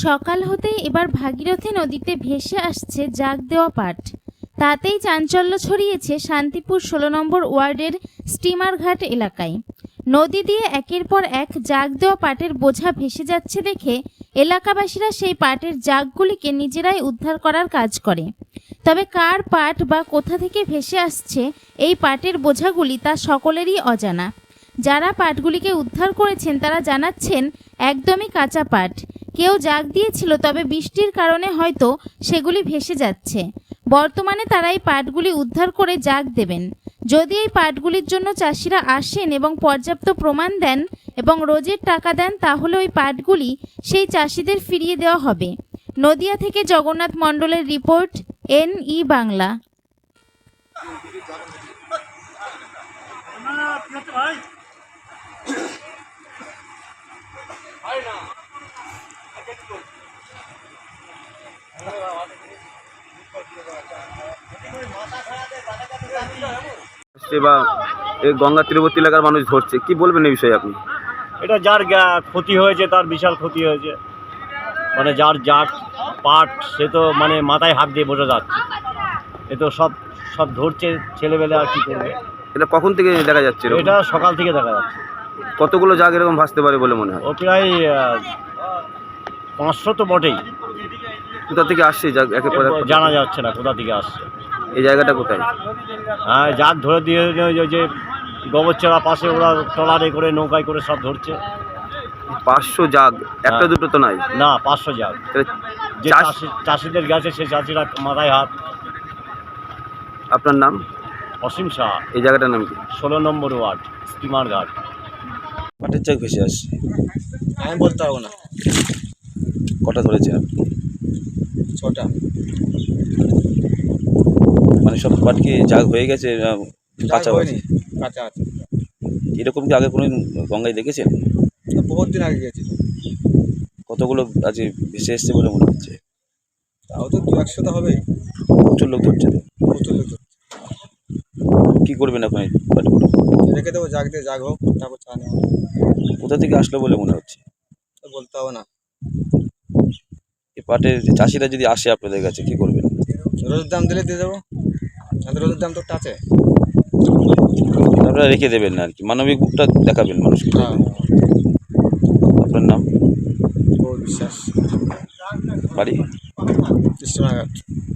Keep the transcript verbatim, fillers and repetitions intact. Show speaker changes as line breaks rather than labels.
সকাল হতেই এবার ভাগীরথী নদীতে ভেসে আসছে জাগ দেওয়া পাট। তাতেই চাঞ্চল্য ছড়িয়েছে শান্তিপুর ষোলো নম্বর ওয়ার্ডের স্টিমারঘাট এলাকায়। নদী দিয়ে একের পর এক জাগ দেওয়া পাটের বোঝা ভেসে যাচ্ছে দেখে এলাকাবাসীরা সেই পাটের জাগগুলিকে নিজেরাই উদ্ধার করার কাজ করে। তবে কার পাট বা কোথা থেকে ভেসে আসছে এই পাটের বোঝাগুলি তা সকলেরই অজানা। যারা পাটগুলিকে উদ্ধার করেছেন তারা জানাচ্ছেন একদমই কাঁচা পাট, কেউ জাগ দিয়েছিল, তবে বৃষ্টির কারণে হয়তো সেগুলি ভেসে যাচ্ছে। বর্তমানে তারা এই পাটগুলি উদ্ধার করে জাগ দেবেন। যদি এই পাটগুলির জন্য চাষিরা আসেন এবং পর্যাপ্ত প্রমাণ দেন এবং রোজের টাকা দেন, তাহলে ওই পাটগুলি সেই চাষিদের ফিরিয়ে দেওয়া হবে। নদিয়া থেকে জগন্নাথ মণ্ডলের রিপোর্ট, এন ই বাংলা।
বা এই গঙ্গা তীরবর্তী এলাকার মানুষ ধরছে, কি বলবেন এই বিষয়ে আপনি?
এটা যার ক্ষতি হয়েছে তার বিশাল ক্ষতি হয়েছে, মানে যার যার পাট সে তো মানে মাথায় হাত দিয়ে বোঝা যাচ্ছে। এ তো সব সব ধরছে ছেলেবেলে, আর কি করবে।
এটা কখন থেকে দেখা যাচ্ছে?
এটা সকাল থেকে দেখা যাচ্ছে।
কতগুলো জাগ এরকম ভাসতে পারে বলে মনে হয়?
ও প্রায় পাঁচশো তো বটেই।
কোথা থেকে আসছে জাগ একেবারে
জানা যাচ্ছে না কোথা থেকে আসছে।
এই জায়গাটা কোথায়?
হ্যাঁ, জাগ ধরে দিয়ে যে গোবরচড়া পাশে ওরা ট্রলারে করে নৌকায় করে সব ধরছে।
পাঁচশো জাগ, একটা দুটো তো নাই
না, পাঁচশো জাগ। যে চাষিদের গেছে সে চাষিরা মাথায় হাত।
আপনার নাম?
অসীম শাহ।
এই জায়গাটার নাম কি?
ষোলো নম্বর ওয়ার্ড, স্টিমার ঘাট।
পাটের জাগ ভেসে আসছে,
আমি বলতে পারবো না।
কটা ধরেছেন আপনি?
ছটা।
মানে সব পাট কি জাগ হয়ে গেছে? কাঁচা
হয়নি, কাঁচা আছে।
এরকম কি আগে কোনো গঙ্গায় দেখেছেন?
বহুত দিন আগে গেছিল।
কতগুলো আজ ভেসে এসছে বলে মনে হচ্ছে?
তাও তো দু একশো তো হবেই।
প্রচুর লোক ধরছে তো।
প্রচুর লোক ধরছে।
কী করবেন আপনি পাটগুলো?
রেখে দেবো, জাগ দিয়ে জাগ হোক, তারপর চা নেওয়া।
কোথা থেকে আসলো বলে মনে হচ্ছে?
তো বলতে হবে না।
এই পাটের চাষিরা যদি আসে আপনাদের কাছে, কি করবেন?
রোজের দাম দিলে দিয়ে দেবো। আমাদের রোজের দাম তো একটা আছে।
আপনারা রেখে দেবেন না আর কি, মানবিক বুকটা দেখাবেন মানুষকে।
হ্যাঁ।
আপনার নাম?
ও বিশ্বাস।
বাড়ি?
কৃষ্ণনগর।